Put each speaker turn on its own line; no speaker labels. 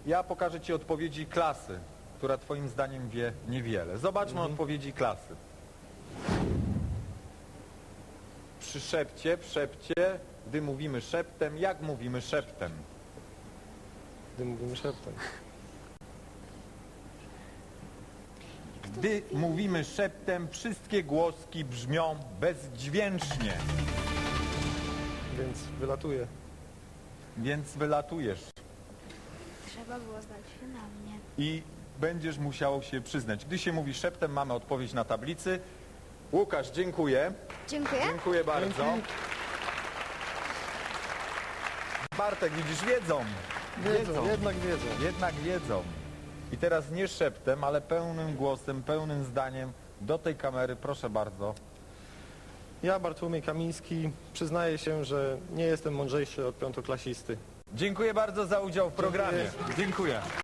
Ja pokażę Ci odpowiedzi klasy, która Twoim zdaniem wie niewiele. Zobaczmy odpowiedzi klasy. Przy szepcie, gdy mówimy szeptem, jak mówimy szeptem?
Gdy mówimy szeptem.
Gdy mówimy szeptem, wszystkie głoski brzmią bezdźwięcznie,
Więc wylatuje.
więc wylatujesz
Trzeba było zdać się na mnie.
i będziesz musiał się przyznać. Gdy się mówi szeptem, mamy odpowiedź na tablicy. Łukasz, dziękuję.
Dziękuję.
Dziękuję bardzo.
Dzięki.
Bartek, widzisz, wiedzą.
Jednak wiedzą.
Jednak wiedzą. I teraz nie szeptem, ale pełnym głosem, pełnym zdaniem do tej kamery, proszę bardzo.
Ja, Bartłomiej Kamiński, przyznaję się, że nie jestem mądrzejszy od piątoklasisty.
Dziękuję bardzo za udział w programie. Dziękuję.